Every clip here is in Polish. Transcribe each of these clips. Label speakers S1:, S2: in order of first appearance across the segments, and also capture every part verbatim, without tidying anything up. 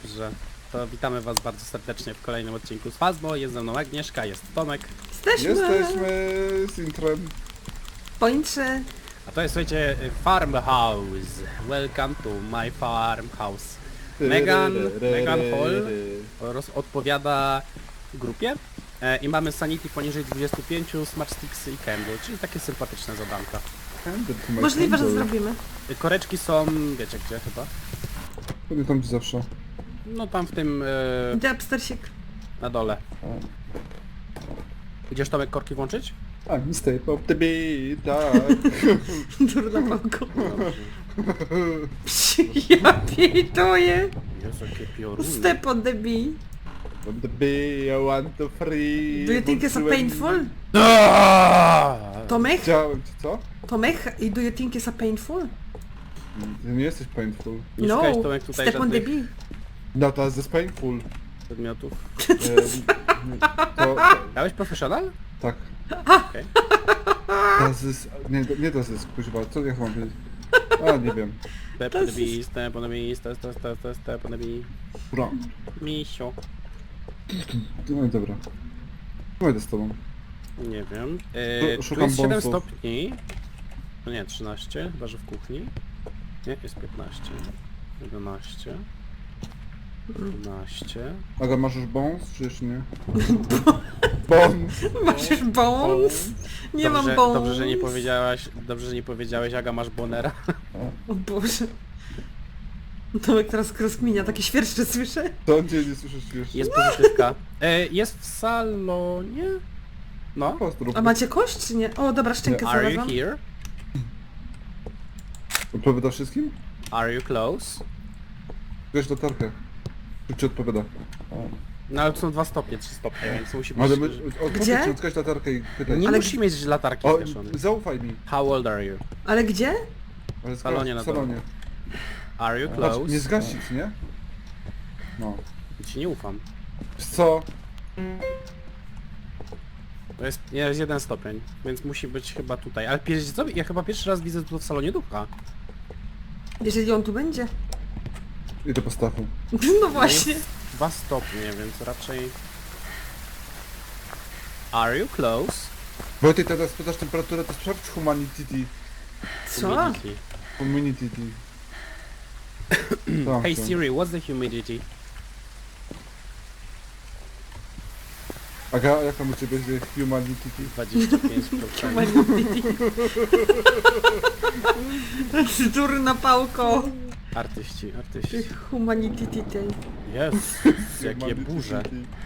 S1: Dobrze, to witamy was bardzo serdecznie w kolejnym odcinku z Fazbo. Jest ze mną Agnieszka, jest Tomek.
S2: Jesteśmy!
S3: Jesteśmy z intrem.
S2: Pointrze.
S1: A to jest, słuchajcie, Farmhouse. Welcome to my farmhouse. Megan, Megan Hall roz, odpowiada grupie e, i mamy sanity poniżej dwudziestu pięciu, smart sticksy i candle, czyli takie sympatyczne zadanka.
S2: Możliwe, że zrobimy.
S1: E, koreczki są, wiecie gdzie chyba?
S3: Pewnie tam gdzie zawsze.
S1: No tam w tym, e,
S2: Idę upstersik.
S1: na dole.
S3: O.
S1: Idziesz Tomek korki włączyć?
S3: A, stay pop the beat, tak.
S2: Durna pałko. Ja pituję.
S1: Jezu, jakie pioruny.
S2: Step on the bee.
S3: Pop the beat, I want to free.
S2: Do you think it's a
S3: Włączyłem-
S2: painful?
S1: Aaaa!
S2: Tomek?
S3: Chciałem ci, co?
S2: Tomek? I do you think it's a painful?
S3: Ty nie jesteś painful.
S1: Nie
S2: No.
S1: szukałeś Tomek tutaj
S2: Step on the
S1: żadnych
S2: bee.
S3: No to jest painful.
S1: przedmiotów.
S3: Ehm, to, to,
S1: Dałeś profesjonal?
S3: tak.
S1: Okej.
S3: Das ist, nie, nie das ist, kuźwa, co ja mam powiedzieć? A, nie wiem.
S1: Step on the bee, step on the bee, step, step, step, step, step on the bee.
S3: Bra.
S1: Misio.
S3: No i dobra. Pójdę z tobą.
S1: Nie wiem.
S3: Tu
S1: Yy, tu
S3: szukam
S1: jest siedem
S3: bonusów.
S1: stopni. No nie, trzynaście, chyba że w kuchni. Nie, jest piętnaście. jedenaście. dwanaście.
S3: Aga, masz już bons, czy jeszcze nie? Bons!
S2: Masz już bones? Nie
S1: dobrze,
S2: mam bones.
S1: Dobrze, że nie powiedziałaś, dobrze, że nie powiedziałeś, Aga, masz bonera.
S2: O Boże. Tomek teraz rozkminia, takie świerszcze słyszę.
S3: To gdzie nie słyszysz jeszcze?
S1: Jest pozytywka. E, jest w salonie? No.
S3: Pozdrów.
S2: A macie kość czy nie? O, dobra, szczękę
S1: Are you
S2: znalazłam.
S1: here?
S3: Odpowiada wszystkim?
S1: Are you close?
S3: Weź latarkę. Czy ci odpowiada? O.
S1: No ale to są dwa stopnie, trzy stopnie, więc musi być...
S3: Ale my,
S2: Gdzie?
S3: odpowiedz, odkaź latarkę i pytaj.
S1: Nie
S2: Ale
S1: musi
S2: gdzie-
S1: mieć latarki
S3: O,
S1: zgaszonej.
S3: zaufaj mi.
S1: How old are you?
S2: Ale gdzie?
S3: Ale
S1: W salonie
S3: zgaś-
S1: na
S3: w salonie.
S1: Are you
S3: Patrz,
S1: close?
S3: nie zgasić, nie? No.
S1: Ci nie ufam.
S3: Wiesz co?
S1: To jest, nie, jest jeden stopień, więc musi być chyba tutaj. Ale wiecie co? Ja chyba pierwszy raz widzę tu w salonie ducha.
S2: Jeżeli on tu będzie.
S3: Idę po stachu.
S2: No właśnie.
S1: Jest dwa stopnie, więc raczej... Are you close?
S3: Wojtek, teraz pytasz temperaturę, to sprawdź humanity.
S2: Co?
S1: Humidity.
S3: Humanity. Tam
S1: Hey
S3: są.
S1: Siri, what's the humidity?
S3: Aga, jak tam u ciebie jest humanity?
S1: dwadzieścia pięć procent.
S2: Durna pałko.
S1: Artyści, artyści.
S2: Humanity tej.
S1: Jest, jakie burze.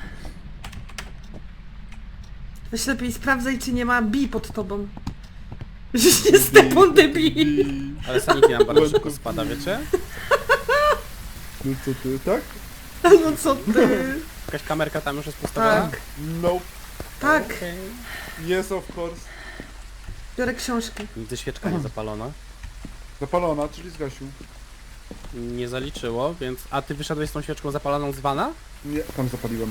S2: Weź lepiej sprawdzaj, czy nie ma bi pod tobą. Że nie step on the bee.
S1: Ale sanity nam bardzo szybko spada, wiecie?
S3: No co ty, tak?
S2: No co ty?
S1: Jakaś kamerka tam już jest postawiona?
S2: Tak.
S3: No.
S2: Tak.
S1: Okej.
S3: Yes, of course.
S2: Biorę książki.
S1: Nigdy świeczka nie zapalona.
S3: Zapalona, czyli zgasił.
S1: Nie zaliczyło, więc... A ty wyszedłeś z tą świeczką zapaloną z wana?
S3: Nie, tam zapaliłem.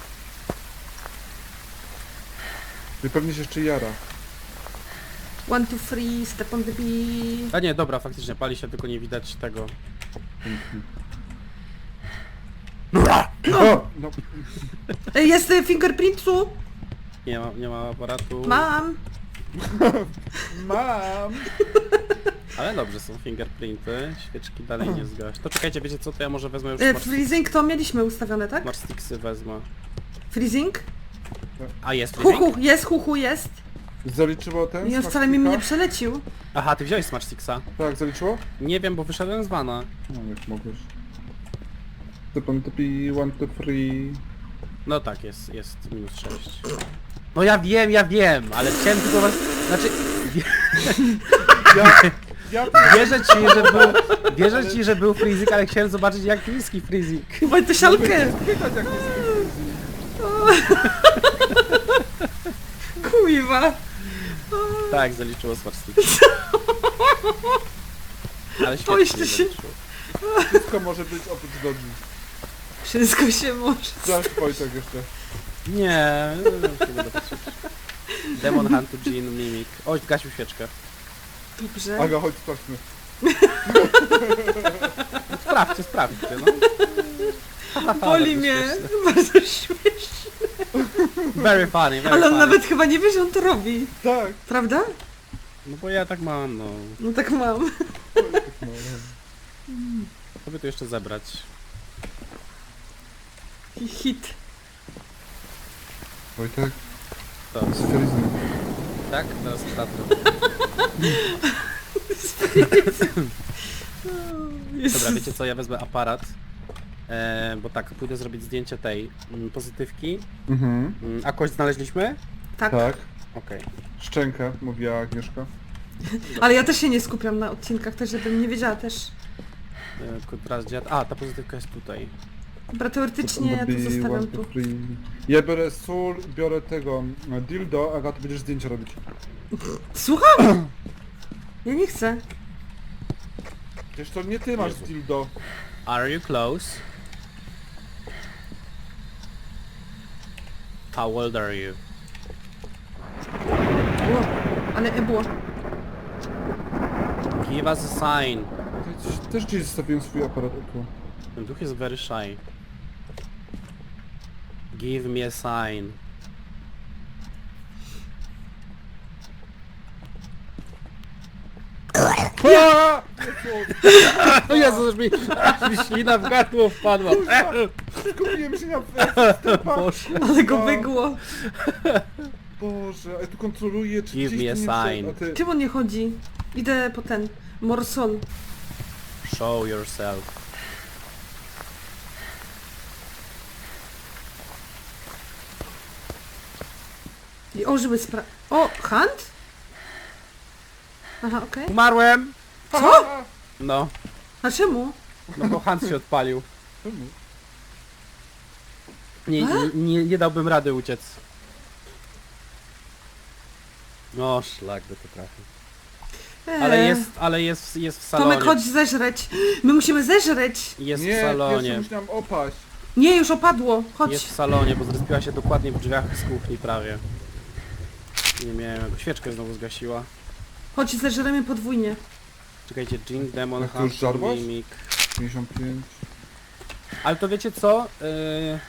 S3: I pewnie się jeszcze jara.
S2: One, two, three, step on the bee.
S1: A nie, dobra, faktycznie pali się, tylko nie widać tego.
S3: O! No.
S2: Ej, jest y, fingerprintu?
S1: Nie ma, nie ma aparatu.
S2: Mam.
S3: Mam!
S1: Ale dobrze, są fingerprinty. Świeczki dalej nie zgaś. To czekajcie, wiecie co, to ja może wezmę już
S2: E,
S1: smart,
S2: freezing to mieliśmy ustawione, tak?
S1: smart sticksy wezmę.
S2: Freezing?
S1: A jest freezing?
S2: Huhu, jest, huhu, jest.
S3: Zaliczyło ten?
S2: Ja
S3: smak
S2: wcale mi
S3: sticka?
S2: nie przelecił.
S1: Aha, ty wziąłeś smart sticksa.
S3: Tak, zaliczyło?
S1: Nie wiem, bo wyszedłem z wana.
S3: No, jak mogłeś. To pan to pi, one, two, three.
S1: No tak, jest, jest minus sześć. No ja wiem, ja wiem, ale chciałem tylko was... Znaczy... Wie,
S3: Ja, ja
S1: wierzę ci, że był... Wierzę ci, że był freezing, ale chciałem zobaczyć jak niski freezing.
S2: Chyba to sialkę.
S3: pytać jak jest.
S2: Kuiwa.
S1: Tak, zaliczyło smart sticksa. Ale
S2: Boję
S1: świetnie
S2: się.
S1: zaliczyło.
S3: Wszystko może być oprócz dogi.
S2: Wszystko się może.
S3: Zaś Wojtek jeszcze.
S1: Nie, no, no, nie będę patrzeć. Demon Hunt to Jean Mimic. Oj, zgasił świeczkę.
S2: Dobrze.
S3: Aga, chodź, sprawdźmy.
S1: Sprawdźcie, sprawdźcie, no.
S2: Boli mnie. Bardzo śmiesznie.
S1: Very funny, very
S2: Ale on
S1: funny.
S2: nawet chyba nie wie, że on to robi.
S3: Tak.
S2: Prawda?
S1: No bo ja tak mam, no.
S2: No tak mam.
S3: No,
S1: Co by tu jeszcze zebrać?
S2: Hit.
S3: Wojtek,
S1: To,
S3: sferizm.
S1: tak? Teraz tato. Dobra, wiecie co, ja wezmę aparat. E, bo tak, pójdę zrobić zdjęcie tej mm, pozytywki.
S3: Mhm.
S1: Mm, a kość znaleźliśmy?
S2: Tak.
S3: Tak.
S1: Okej.
S3: Szczękę, mówiła Agnieszka.
S2: Ale ja też się nie skupiam na odcinkach, też żebym nie wiedziała też.
S1: E, tylko teraz dziad... A, ta pozytywka jest tutaj.
S2: Dobra, teoretycznie ja to
S3: Be
S2: zostawiam
S3: one,
S2: tu.
S3: two, three. Ja biorę sól, biorę tego e, dildo, Aga, ty będziesz zdjęcia robić.
S2: Słucham? Ja nie chcę.
S3: Przecież to nie ty masz
S1: Jezu.
S3: dildo.
S1: Are you close? How old are you?
S2: Było. Ale e było.
S1: Give us a sign.
S3: To jest- Też gdzieś zostawiłem swój aparat o tu.
S1: Ten duch jest very shy. Give me a sign. O Jezu, już mi, mi ślina w gardło wpadła.
S3: Skupiłem się na
S1: Boże.
S2: Ale go wygło.
S3: Boże, a ja tu kontroluję, czy
S1: Give
S3: gdzieś
S1: me
S3: tu
S1: a
S3: nie
S1: sign.
S3: prze- a ty...
S2: Czym on nie chodzi? Idę po ten. Morsol.
S1: Show yourself.
S2: I ożyły spra... O! Hunt? Aha, okej.
S1: Umarłem!
S2: Co?
S1: No,
S2: A czemu?
S1: no bo Hans się odpalił.
S3: Czemu?
S1: Nie, nie, nie, nie dałbym rady uciec. No, szlak by to trafił. Ale
S2: Eee.
S1: jest, ale jest, jest w salonie.
S2: Tomek, chodź zeżreć. My musimy zeżreć.
S1: Jest
S3: Nie,
S1: w
S3: pierwszy
S1: salonie.
S3: musiałam opaść.
S2: Nie, już opadło. Chodź.
S1: Jest w salonie, bo zrespiła się dokładnie w drzwiach z kuchni prawie. Nie miałem, jak świeczkę znowu zgasiła.
S2: Chodź, zeżremy podwójnie.
S1: Czekajcie, Jing, Demon,
S3: Jak to już
S1: Hunter,
S3: żarłaś?
S1: Mimik.
S3: pięćdziesiąt pięć.
S1: Ale to wiecie co? Yy...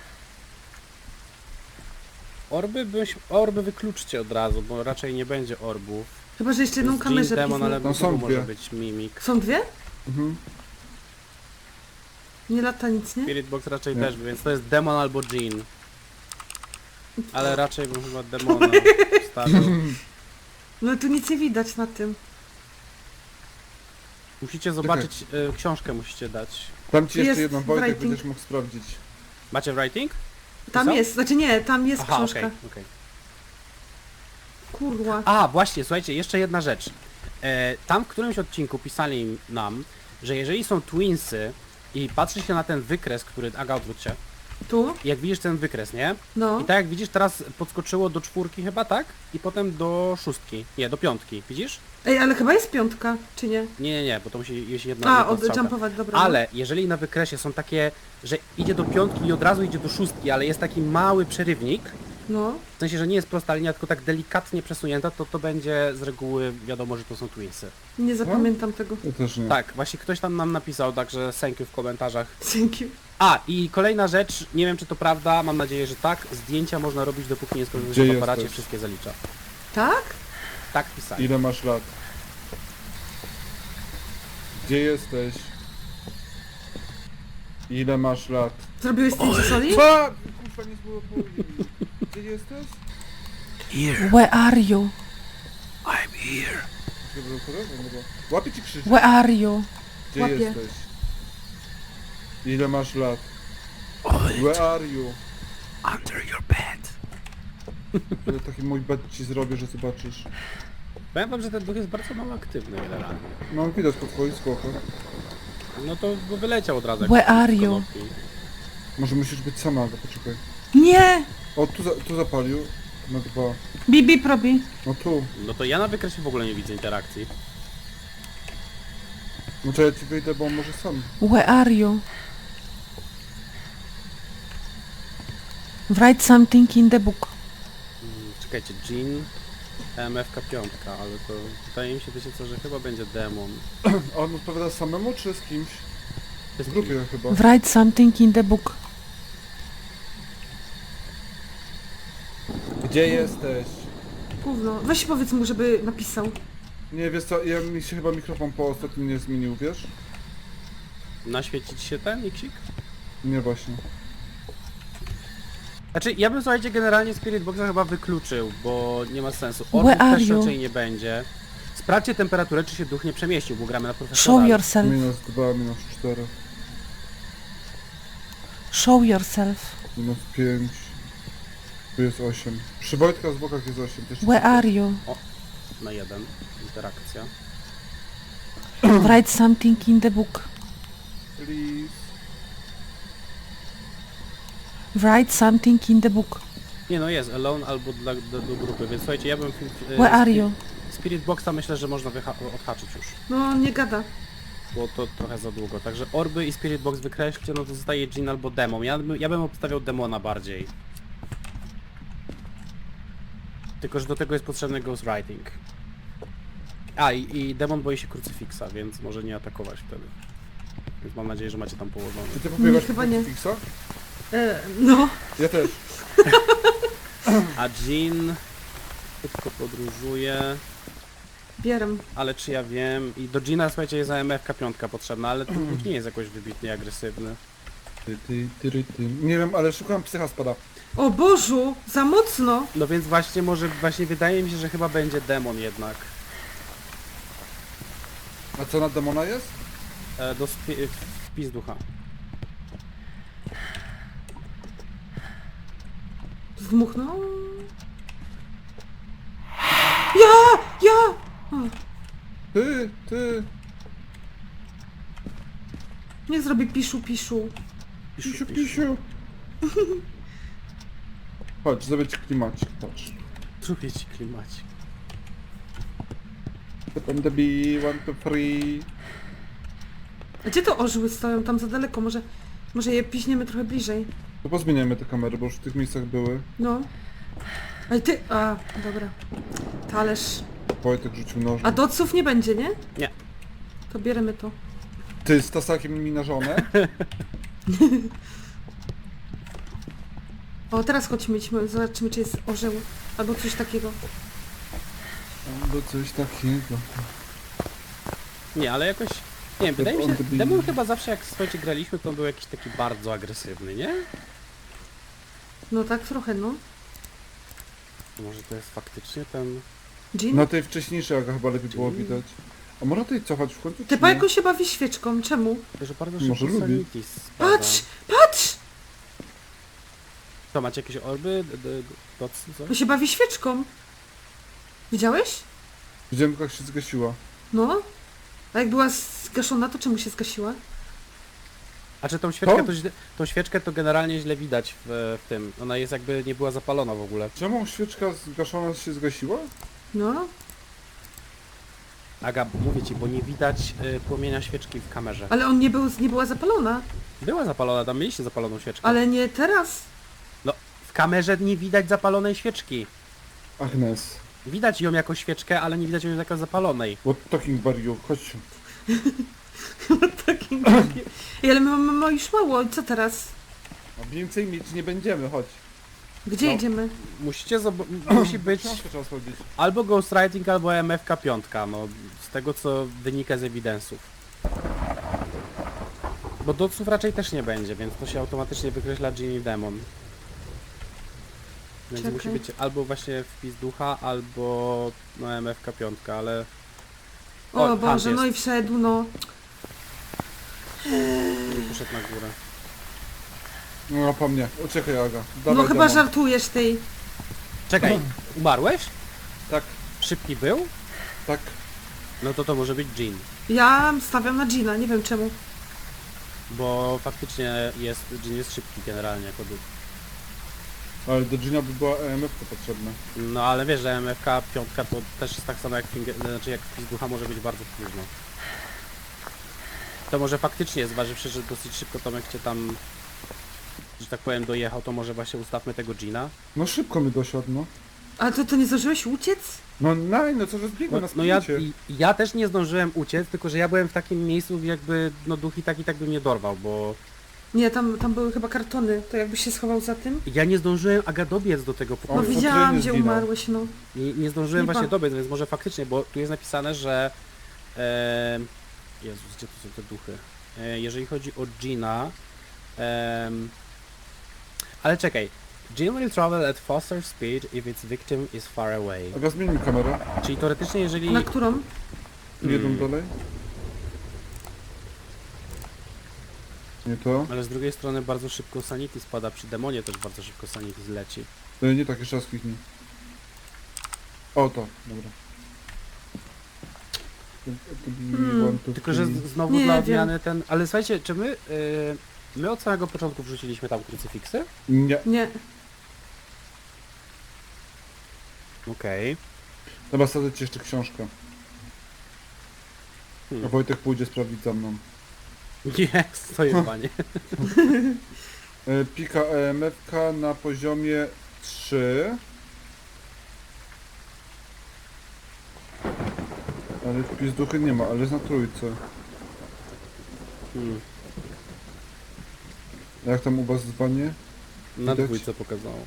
S1: Orby, byś, orby wykluczcie od razu, bo raczej nie będzie orbów.
S2: Chyba, że jeszcze
S1: To
S2: jedną
S1: jest
S2: kamerę
S1: Jing, Demon, ale
S2: piznę.
S3: Tam są
S1: może
S3: dwie.
S1: być Mimik.
S2: Są dwie?
S3: Mhm.
S2: Nie lata nic, nie?
S1: Spirit Box raczej
S3: Nie.
S1: też, więc to jest Demon albo Jean. Ale raczej bym chyba Demona wstawił.
S2: No tu nic nie widać na tym.
S1: Musicie zobaczyć, y, książkę musicie dać.
S3: Dam ci jeszcze
S2: Jest
S3: jedną, Wojtek,
S2: writing.
S3: będziesz mógł sprawdzić.
S1: Macie writing?
S2: Tam
S1: Są?
S2: jest, znaczy nie, tam jest
S1: Aha,
S2: książka.
S1: okej, okej.
S2: Kurwa.
S1: A, właśnie, słuchajcie, jeszcze jedna rzecz. E, tam w którymś odcinku pisali nam, że jeżeli są twinsy i patrzy się na ten wykres, który... Aga, odwróć się.
S2: Tu?
S1: Jak widzisz ten wykres, nie?
S2: No.
S1: I tak jak widzisz, teraz podskoczyło do czwórki chyba, tak? I potem do szóstki. Nie, do piątki. Widzisz?
S2: Ej, ale chyba jest piątka, czy nie?
S1: Nie, nie, nie, bo to musi jeść jedna,
S2: A,
S1: jedna strzałka.
S2: odjumpować, dobra.
S1: Ale jeżeli na wykresie są takie, że idzie do piątki i od razu idzie do szóstki, ale jest taki mały przerywnik,
S2: No.
S1: w sensie, że nie jest prosta linia, tylko tak delikatnie przesunięta, to to będzie z reguły wiadomo, że to są twinsy.
S2: Nie zapamiętam tego.
S3: Ja też nie.
S1: Tak, właśnie ktoś tam nam napisał, także thank you w komentarzach.
S2: Thank you.
S1: A, i kolejna rzecz, nie wiem czy to prawda, mam nadzieję, że tak, zdjęcia można robić dopóki nie skończy
S3: Gdzie
S1: się w aparacie,
S3: jesteś?
S1: wszystkie zalicza.
S2: Tak?
S1: Tak pisali.
S3: Ile masz lat? Gdzie jesteś? Ile masz lat?
S2: Zrobiłeś zdjęcie soli?
S3: Co? Kurwa, nie było poli. Gdzie jesteś?
S2: Where are you?
S1: I'm here.
S3: Gdzie było pole? No bo- Łapie ci krzyż.
S2: Where are you?
S3: Gdzie
S2: łapie.
S3: jesteś? Ile masz lat? Where are you?
S1: Under your bed.
S3: Ja taki mój bed ci zrobię, że zobaczysz.
S1: Powiem wam, że ten duch jest bardzo mało aktywny generalnie.
S3: No widać po twoich skokach.
S1: No to bo wyleciał od razu. jak
S2: Where are you?
S1: konopki.
S3: Może musisz być sama, Aga, poczekaj.
S2: Nie!
S3: O, tu, za, tu zapalił. Na dwa.
S2: Bibi robi.
S3: No tu.
S1: No to ja na wykresie w ogóle nie widzę interakcji.
S3: No to ja ci wyjdę, bo on może sam.
S2: Where are you? Write something in the book.
S1: Mm, Czekajcie, Jean, M F K pięć, ale to wydaje mi się, wiecie co, że chyba będzie demon.
S3: A on odpowiada samemu czy z kimś?
S1: To jest
S3: W grupie chyba.
S2: Write something in the book.
S3: Gdzie jesteś?
S2: Gówno. Weź powiedz mu, żeby napisał.
S3: Nie, wiesz co, ja, mi się chyba mikrofon po ostatnim nie zmienił, wiesz?
S1: Naświecić się ten Xik?
S3: Nie właśnie.
S1: Znaczy, ja bym, słuchajcie, generalnie Spirit Boxa chyba wykluczył, bo nie ma sensu.
S2: Where
S1: Orbów
S2: are
S1: też
S2: you?
S1: raczej nie będzie. Sprawdźcie temperaturę, czy się duch nie przemieścił, bo gramy na
S2: Show
S1: profesjonalnie.
S2: yourself.
S3: Minus dwa, minus cztery,
S2: Show yourself.
S3: minus pięć. Tu jest osiem. Przy Wojtka z bokach jest osiem. Też
S2: Where are you?
S1: Na jeden. Interakcja.
S2: Write something in the book.
S3: Please.
S1: Write something in the book. Nie no, jest alone albo dla, do, do grupy, więc słuchajcie, ja bym... e,
S2: Where are
S1: Spirit-
S2: you?
S1: Spirit Boxa myślę, że można wyha- odhaczyć już,
S2: No, nie gada.
S1: bo to trochę za długo. Także orby i Spirit Box wykreślcie, no to zostaje Jin albo Demon. Ja, bym- ja bym obstawiał Demona bardziej. Tylko, że do tego jest potrzebny Ghostwriting. A, i, i Demon boi się krucyfiksa, więc może nie atakować wtedy. Więc mam nadzieję, że macie tam położone.
S3: Czy ty popiewasz
S2: chyba nie.
S3: Fixa?
S2: E, no.
S3: Ja też.
S1: A Jin szybko podróżuje,
S2: Bieram.
S1: ale czy ja wiem... I do Jina, słuchajcie, jest A M F K pięć potrzebna, ale ten nie jest jakoś wybitnie agresywny.
S3: Ty, ty, ty, ty, ty. Nie wiem, ale szukam psycha spada.
S2: O Bożu, za mocno.
S1: No więc właśnie może, właśnie wydaje mi się, że chyba będzie demon jednak.
S3: A co na demona jest?
S1: E, do spi- wpis ducha.
S2: Zdmuchnął. Ja! Ja! O,
S3: Ty, ty.
S2: niech zrobi piszu, piszu.
S3: Pisiu, pisiu. Chodź, zrobię ci klimacik, patrz.
S1: Zrobię ci klimacik.
S3: Potem the bee, one, two, three.
S2: A gdzie to orzyły stoją? Tam za daleko. Może, może je piśniemy trochę bliżej.
S3: To pozmieniamy te kamery, bo już w tych miejscach były.
S2: No. Ale ty... A, dobra. Talerz.
S3: Wojtek rzucił noż.
S2: A doców nie będzie, nie?
S1: Nie.
S2: To bierzemy to.
S3: Ty z tasakiem mi na żonę?
S2: O, teraz chodźmy, idźmy, zobaczymy, czy jest orzeł. Albo coś takiego.
S3: Albo coś takiego.
S1: Nie, ale jakoś... Nie wiem, wydaje mi
S3: on
S1: się,
S3: the bee.
S1: demon chyba zawsze jak słuchajcie graliśmy, to on był jakiś taki bardzo agresywny, nie?
S2: No tak trochę, no.
S1: Może to jest faktycznie ten...
S2: Jean?
S3: Na tej wcześniejszej aga chyba lepiej było widać. A można tutaj cofać w końcu?
S2: Ty
S3: czy
S2: po
S3: nie?
S2: jaką się bawi świeczką? Czemu?
S1: Że bardzo
S3: Może
S1: szybko
S3: lubi.
S1: sanity spada.
S2: Patrz! Patrz!
S1: To macie jakieś orby? D- d- docy,
S2: On
S1: coś?
S2: się bawi świeczką. Widziałeś?
S3: Widziałem jak się zgasiła.
S2: No. A jak była zgaszona, to czemu się zgasiła?
S1: A czy tą świeczkę
S3: To?
S1: to, źle, tą świeczkę to generalnie źle widać w, w tym. Ona jest jakby nie była zapalona w ogóle.
S3: Czemu świeczka zgaszona się zgasiła?
S2: No.
S1: Aga, mówię ci, bo nie widać y, płomienia świeczki w kamerze.
S2: Ale on nie, był, nie była zapalona.
S1: Była zapalona, tam mieliście zapaloną świeczkę.
S2: Ale nie teraz.
S1: No, w kamerze nie widać zapalonej świeczki.
S3: Agnes.
S1: Widać ją jako świeczkę, ale nie widać ją jako zapalonej.
S3: What talking about you? Chodź.
S2: Takim drugim. Ej, ale my mamy już mało. Co teraz?
S3: A więcej mieć nie będziemy, chodź.
S2: Gdzie
S3: No.
S2: jedziemy?
S1: Musicie zob- musi być
S3: Książkę trzeba sprawdzić.
S1: albo Ghostwriting, albo M F K pięć, no z tego co wynika z evidensów. Bo doców raczej też nie będzie, więc to się automatycznie wykreśla Genie Demon. Więc
S2: Czekaj.
S1: musi być albo właśnie wpis ducha, albo no M F K pięć, ale...
S2: O,
S1: O,
S2: Boże,
S1: Hunt
S2: no
S1: jest.
S2: i wszedł, no.
S1: nie poszedł na górę.
S3: No po mnie. Uciekaj Aga. Dawaj,
S2: No chyba
S3: demon.
S2: żartujesz tej.
S1: Czekaj, umarłeś?
S3: Tak,
S1: Szybki był?
S3: tak.
S1: No to to może być Jean.
S2: Ja stawiam na Gina, nie wiem czemu.
S1: Bo faktycznie jest, Jean jest szybki generalnie jako duch.
S3: Ale do Gina by była E M F potrzebna.
S1: No ale wiesz, że M F K pięć to też jest tak samo jak finger, znaczy jak wpis ducha może być bardzo późno. To może faktycznie, zważywszy, że dosyć szybko Tomek cię tam, że tak powiem, dojechał, to może właśnie ustawmy tego Gina.
S3: No szybko mi dosiadł, no.
S2: Ale to, to nie zdążyłeś uciec?
S3: No naj, no co, że zbiegłem
S1: No,
S3: na
S1: no ja,
S3: sprincie.
S1: i- ja też nie zdążyłem uciec, tylko że ja byłem w takim miejscu, jakby no duch i tak i tak by mnie dorwał, bo
S2: Nie, tam, tam były chyba kartony, to jakbyś się schował za tym.
S1: Ja nie zdążyłem, Aga, dobiec do tego
S3: O,
S2: No
S1: pokoju.
S3: w
S2: widziałam,
S3: futrynie
S2: gdzie
S3: zginął.
S2: umarłeś, no.
S1: Nie, nie zdążyłem
S2: Lipa.
S1: właśnie dobiec, więc może faktycznie, bo tu jest napisane, że... E, Jezus, gdzie tu są te duchy? E, jeżeli chodzi o Gina... em, ale czekaj. Jean will travel at faster speed if its victim is far away.
S3: Aga, zmień mi kamerę.
S1: Czyli teoretycznie, jeżeli...
S2: Na którą?
S3: Jedną
S1: Hmm.
S3: dalej. Nie to.
S1: Ale z drugiej strony bardzo szybko sanity spada, przy demonie też bardzo szybko sanity zleci.
S3: E, Nie tak, jeszcze raz kliknij. O, to, dobra.
S2: Hmm,
S3: One, two,
S1: Tylko, że
S3: three.
S1: z- znowu
S2: Nie
S1: dla
S2: wiem.
S1: odmiany ten... Ale słuchajcie, czy my... y, my od samego początku wrzuciliśmy tam krucyfiksy?
S3: Nie.
S2: Nie.
S1: Okej.
S3: Dobra, sadzę ci jeszcze książkę. A
S1: Hmm.
S3: Wojtek pójdzie sprawdzić za mną.
S1: Jest, to jest panie.
S3: E, Pika E M F K na poziomie trzy. Ale wpis duchy nie ma, ale jest na trójce.
S1: Hmm.
S3: Jak tam u was dzwanie?
S1: Na
S3: Widać?
S1: dwójce pokazało.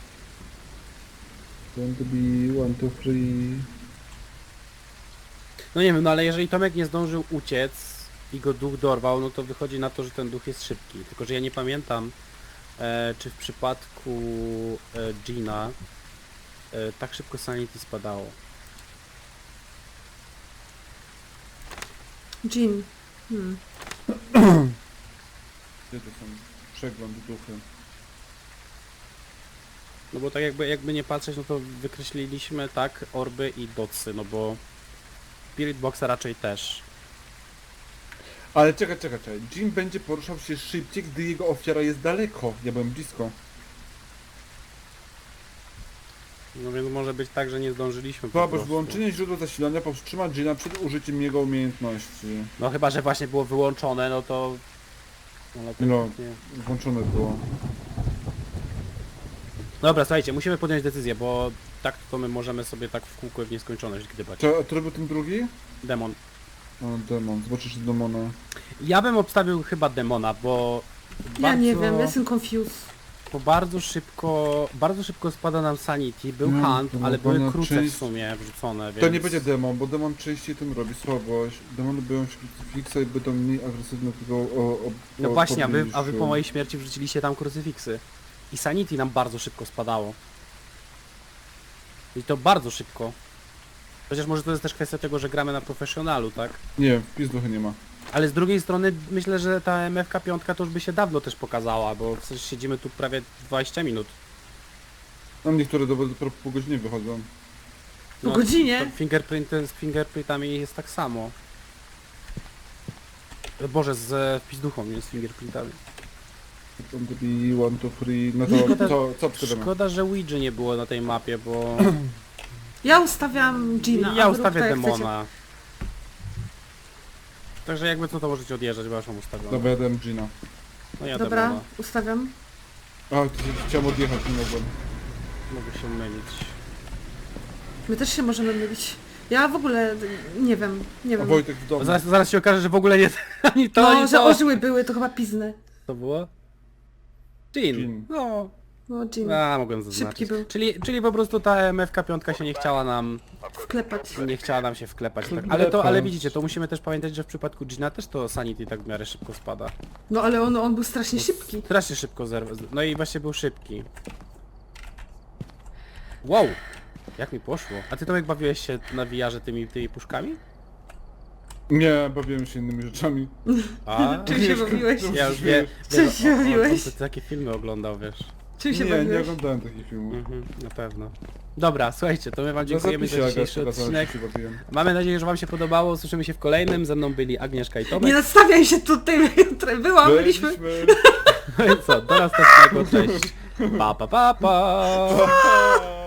S3: Don't be one, two, three.
S1: No nie wiem, no ale jeżeli Tomek nie zdążył uciec i go duch dorwał, no to wychodzi na to, że ten duch jest szybki. Tylko, że ja nie pamiętam, e, czy w przypadku e, Gina e, tak szybko sanity spadało.
S2: Jean. Hmm.
S3: Gdzie to są? Przegląd duchy.
S1: No bo tak jakby, jakby nie patrzeć, no to wykreśliliśmy tak orby i dotsy, no bo Spirit Boxa raczej też.
S3: Ale czekaj, czekaj, czekaj. Jim będzie poruszał się szybciej, gdy jego ofiara jest daleko. Ja byłem blisko.
S1: No więc może być tak, że nie zdążyliśmy po
S3: Zobacz,
S1: prostu.
S3: wyłączenie źródła zasilania powstrzyma Gina przed użyciem jego umiejętności.
S1: No chyba, że właśnie było wyłączone, no to... No, to
S3: No.
S1: nie.
S3: Włączone było.
S1: Dobra, słuchajcie, musimy podjąć decyzję, bo tak to my możemy sobie tak w kółko i w nieskończoność gdybać.
S3: Czy, a który był ten drugi?
S1: Demon.
S3: O, demon. Zobaczysz demona.
S1: Ja bym obstawił chyba demona, bo...
S2: Ja
S1: bardzo,
S2: nie wiem, jestem confused.
S1: Bo bardzo szybko, bardzo szybko spada nam sanity, był
S3: No,
S1: hunt,
S3: no,
S1: ale
S3: bo
S1: były
S3: na
S1: kruce
S3: część-
S1: w sumie wrzucone, więc...
S3: To nie będzie demon, bo demon częściej tym robi słabość. Demony boją się krucyfiksa i będą mniej agresywne tego o, o,
S1: No
S3: o
S1: właśnie, a wy, a wy
S3: pobliżu.
S1: po mojej śmierci wrzuciliście tam krucyfiksy. I sanity nam bardzo szybko spadało. I to bardzo szybko. Chociaż może to jest też kwestia tego, że gramy na profesjonalu, tak?
S3: Nie, wpis duchy nie ma.
S1: Ale z drugiej strony myślę, że ta M F K pięć to już by się dawno też pokazała, bo przecież siedzimy tu prawie dwadzieścia minut.
S3: Tam niektóre do, dopiero po godzinie wychodzą.
S2: Po godzinie?
S1: to Fingerprinty z fingerprintami jest tak samo. Boże, z e, pizduchą, nie z fingerprintami.
S3: Tam to be one, two, three. No to
S1: Szkoda-
S3: co, co obstawiamy?
S1: Szkoda, że Ouija nie było na tej mapie, bo...
S2: Ja ustawiam Gina,
S1: ja
S2: a wy rób
S1: ustawię
S2: tak, jak chcecie.
S1: demona. Także jakby co, to możecie odjeżdżać, bo ja już mam ustawione.
S3: Dobra, ja dałem Gina.
S1: No ja
S2: Dobra,
S1: demona.
S2: ustawiam.
S3: A, to się- chciałem odjechać, nie mogłem.
S1: Mogę się mylić.
S2: My też się możemy mylić. Ja w ogóle nie wiem, nie
S3: A
S2: wiem.
S3: Wojtek w domu.
S1: Zaraz, zaraz się okaże, że w ogóle nie ani to,
S2: No,
S1: ani
S2: że
S1: to.
S2: ożyły były, to chyba pizny.
S1: To było? Jean.
S3: Jean.
S1: No,
S2: No, Jean.
S1: a mogłem zaznaczyć.
S2: Szybki był.
S1: Czyli, czyli po prostu ta M F K pięć się nie chciała nam,
S2: Wklepać.
S1: nie chciała nam się wklepać. Tak.
S3: Wklepać.
S1: Ale to, ale widzicie, to musimy też pamiętać, że w przypadku Gina też to sanity tak w miarę szybko spada.
S2: No ale on, on był strasznie szybki.
S1: Strasznie szybko zerwa. No i właśnie był szybki. Wow! Jak mi poszło. A ty Tomek bawiłeś się na wiarze tymi, tymi puszkami?
S3: Nie, bawiłem się innymi rzeczami.
S1: A?
S2: Czym się bawiłeś?
S1: Ja już wiem.
S2: Czym
S1: wiem,
S2: się
S1: o- o-
S2: bawiłeś?
S1: on takie filmy oglądał, wiesz.
S2: Czym się
S3: Nie, nie
S2: bawiłeś?
S3: oglądałem takich filmów.
S1: Mhm, na pewno. Dobra, słuchajcie, to my wam
S3: Na
S1: dziękujemy
S3: zapisie,
S1: za
S3: Aga,
S1: dzisiejszy
S3: pokazałem,
S1: odcinek.
S3: że się bawiłem.
S1: Mamy nadzieję, że wam się podobało. Słyszymy się w kolejnym. Ze mną byli Agnieszka i
S2: Nie
S1: Tomek.
S2: nastawiaj się tutaj, byłam, byliśmy.
S3: Byliśmy.
S1: No i co, do następnego, cześć. Pa, pa, pa, pa.